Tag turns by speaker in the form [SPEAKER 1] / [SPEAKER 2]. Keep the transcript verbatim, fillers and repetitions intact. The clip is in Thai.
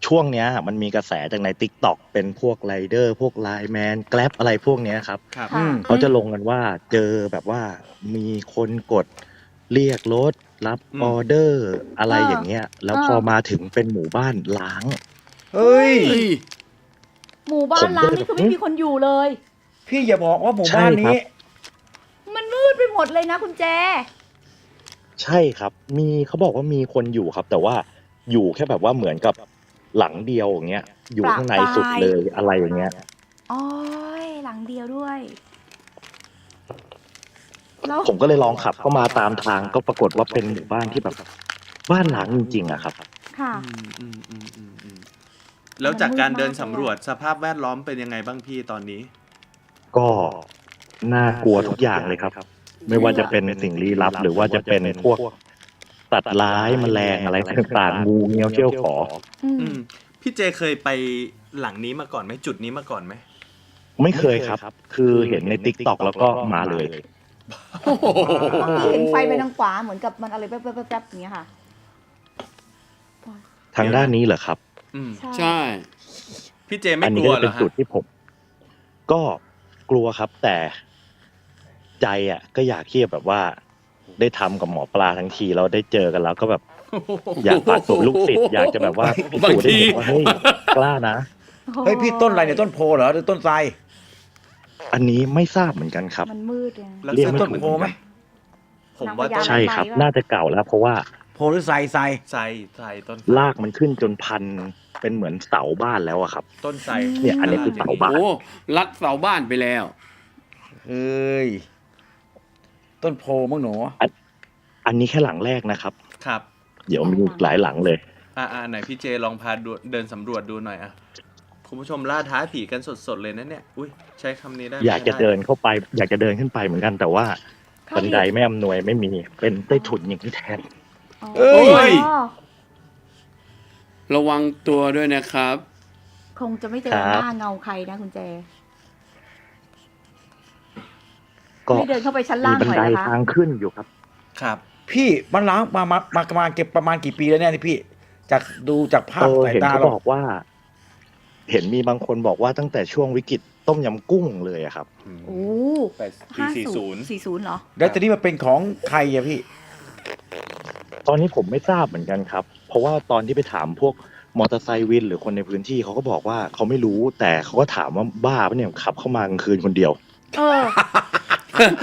[SPEAKER 1] ช่วงเนี้ยมันมีกระแสจากใน TikTok เป็นพวกไรเดอร์พวกไลน์แมนแกร็บอะไรพวกเนี้ยครับ
[SPEAKER 2] ครับ
[SPEAKER 3] อื
[SPEAKER 4] ค่ะ
[SPEAKER 3] ม
[SPEAKER 1] เขาจะลงกันว่าเจอแบบว่ามีคนกดเรียกรถรับ
[SPEAKER 2] อืม
[SPEAKER 1] ออเดอร์อะไร
[SPEAKER 4] เออ
[SPEAKER 1] อย่างเงี้ย แล้ว
[SPEAKER 4] เออ
[SPEAKER 1] พอมาถึงเป็นหมู่บ้านล้าง
[SPEAKER 3] เฮ้ย
[SPEAKER 2] เฮ้ย
[SPEAKER 4] หมู่บ้า
[SPEAKER 1] ผ
[SPEAKER 4] น
[SPEAKER 1] ม
[SPEAKER 4] ล้า
[SPEAKER 1] ก็
[SPEAKER 4] ง
[SPEAKER 1] เลย
[SPEAKER 4] นี่คือ
[SPEAKER 1] แบบ
[SPEAKER 4] ไม่มีคนอยู่เลย
[SPEAKER 3] พี่อย่าบอกว่าหมู่
[SPEAKER 1] ใช่
[SPEAKER 3] บ้าน
[SPEAKER 1] ครั
[SPEAKER 3] นี้
[SPEAKER 1] บ
[SPEAKER 4] มันมืดไปหมดเลยนะคุณแจ
[SPEAKER 1] ใช่ครับ มีเขาบอกว่ามีคนอยู่ครับ แต่ว่าอยู่แค่แบบว่าเหมือนกับหลังเดียวอย่างเงี้ย อยู่
[SPEAKER 4] ประ
[SPEAKER 1] ข้างใน
[SPEAKER 4] ปรา
[SPEAKER 1] สุด
[SPEAKER 4] ย
[SPEAKER 1] เลยอะไรอย่างเงี้ย
[SPEAKER 4] อ๋อยหลังเดียวด้วย แล้ว
[SPEAKER 1] ผมก็เลยลองขับเข้ามาตามทางก็ปรากฏว่าเป็นหมู่บ้านที่แบบบ้านล้างจริงๆอะครับ
[SPEAKER 4] ค่ะ
[SPEAKER 2] อืมอืมอืมอืมอืมแล้วจากการเดินสำรวจสภาพแวดล้อมเป็นยังไงบ้างพี่ตอนนี้
[SPEAKER 1] ก็น่ากลัวทุกอย่างเลยครับ ไม่ว่าจะเป็นสิ่งลี้ลับ หรือว่าจะเป็นพวกสัตว์ร้ายแมลงอะไรต่างๆงูเงี้ยวเขี้ยวขอ
[SPEAKER 4] อืม
[SPEAKER 2] อืมพี่เจเคยไปหลังนี้มาก่อนไหมจุดนี้มาก่อนไหม
[SPEAKER 1] ไม่เคยครับ คือเห็นใน TikTok แล้วก็มาเลย
[SPEAKER 2] โอ้โห
[SPEAKER 4] เมื่อกี้เห็นไฟไปทางขวาเหมือนกับมันอะไรแป๊บๆๆๆอย่างเงี้ยค่ะ
[SPEAKER 1] ทางด้านนี้เหรอครับ
[SPEAKER 2] อืม
[SPEAKER 4] ใช่
[SPEAKER 5] ใช่
[SPEAKER 2] พี่เจไม่
[SPEAKER 1] อัน
[SPEAKER 2] ก
[SPEAKER 1] นี้
[SPEAKER 2] ลัว
[SPEAKER 1] ก็
[SPEAKER 2] เหร
[SPEAKER 1] เป็น
[SPEAKER 2] อฮะ
[SPEAKER 1] จุดที่ผม ก็กลัวครับ แต่ใจอ่ะ ก็อยากที่จะแบบว่าได้ทำกับหมอปลาทั้งทีเราได้เจอกันแล้วก็แบบ อยากฝากตัวลูกศิษย์อยากจะแบบว่าพิสูจน์ให้เห็นว่าเฮ้ยกล้านะ
[SPEAKER 3] เฮ้ยพี่ต้นอะไรเนี่ยต้นโพเหรอหรือต้นไทร
[SPEAKER 1] อันนี้ไม่ทราบเหมือนกันครับ
[SPEAKER 4] มันมืดไง
[SPEAKER 2] ลัก
[SPEAKER 1] เรียก
[SPEAKER 2] ษ
[SPEAKER 1] ไม่
[SPEAKER 2] ณะ
[SPEAKER 3] ต้น
[SPEAKER 1] ถูก
[SPEAKER 3] โพไหม
[SPEAKER 2] ผมว่าต้น
[SPEAKER 1] ใช่ครับ น่าจะเก่าแล้ว เพราะว่า
[SPEAKER 3] โพหรือไทรไทร
[SPEAKER 2] ไทรไทรต้น
[SPEAKER 1] ลากมันขึ้นจนพันเป็นเหมือนเสาบ้านแล้วอะครับ
[SPEAKER 2] ต้นไทร
[SPEAKER 1] เนี่ยอันนี้คือเสาบ้าน
[SPEAKER 5] โอ้รัดเสาบ้านไปแล้ว
[SPEAKER 3] เฮ้ยต้นโพมั้งหนู
[SPEAKER 1] อันนี้แค่หลังแรกนะครับ
[SPEAKER 2] ครับ
[SPEAKER 1] เดี๋ยวมีอีกหลายหลังเลย
[SPEAKER 2] อ่าอ่าไหนพี่เจลองพาดูเดินสำรวจดูหน่อยอ่ะคุณผู้ชมล่าท้าผีกันสดๆเลยนะเนี่ยอุ้ยใช้คำนี้ได้ไหม
[SPEAKER 1] อยากจะเดินเข้าไป อยากจะเดินขึ้นไปเหมือนกัน แต่ว่า
[SPEAKER 4] เข้า
[SPEAKER 1] บันได
[SPEAKER 4] อีก
[SPEAKER 1] ไม่อำนวยไม่มีเป็นใต้ถุนอย่างที่แทน
[SPEAKER 4] อ๋อ
[SPEAKER 3] เอ้ย
[SPEAKER 4] อ๋อ
[SPEAKER 5] ระวังตัวด้วยนะครับ
[SPEAKER 4] คงจะไม่เจอ
[SPEAKER 1] ครั
[SPEAKER 4] ห
[SPEAKER 1] บ
[SPEAKER 4] น้าเงาใครนะคุณแจ
[SPEAKER 1] ก็
[SPEAKER 4] ไม่เดินเข้าไปชั้น
[SPEAKER 1] มี
[SPEAKER 4] ล่าง
[SPEAKER 1] บัน
[SPEAKER 4] หน่อย
[SPEAKER 1] ได
[SPEAKER 4] นะคะ
[SPEAKER 1] ทางขึ้นอยู่ครับ
[SPEAKER 2] ครับ
[SPEAKER 3] พี่มันล้างมามามาประมาณเก็บประมาณกี่ปีแล้วเนี่ยนี่พี่ จากดูจากภา
[SPEAKER 1] เอ
[SPEAKER 3] พ
[SPEAKER 1] อ
[SPEAKER 3] สาย
[SPEAKER 1] เห็น
[SPEAKER 3] ตา
[SPEAKER 1] เขา
[SPEAKER 3] เรา
[SPEAKER 1] บอกว่า เห็นมีบางคนบอกว่าตั้งแต่ช่วงวิกฤตต้มยำกุ้งเลยอะครับ
[SPEAKER 4] โอ้
[SPEAKER 2] แปดปี
[SPEAKER 4] ห้า
[SPEAKER 2] สี่
[SPEAKER 4] ศู
[SPEAKER 2] ศู
[SPEAKER 4] น
[SPEAKER 2] น
[SPEAKER 4] ย์
[SPEAKER 2] ย์
[SPEAKER 4] สี่ศูนย์เหรอ
[SPEAKER 3] แล้วตอนนี้มันเป็นของใครอะพี่
[SPEAKER 1] ตอนนี้ผมไม่ทราบเหมือนกันครับ เพราะว่าตอนที่ไปถามพวกมอเตอร์ไซค์วิน หรือคนในพื้นที่เขาก็บอกว่าเขาไม่รู้ แต่เขาก็ถามว่าบ้าปะเนี่ยขับเข้ามากลางคืนคนเดียว
[SPEAKER 4] เออ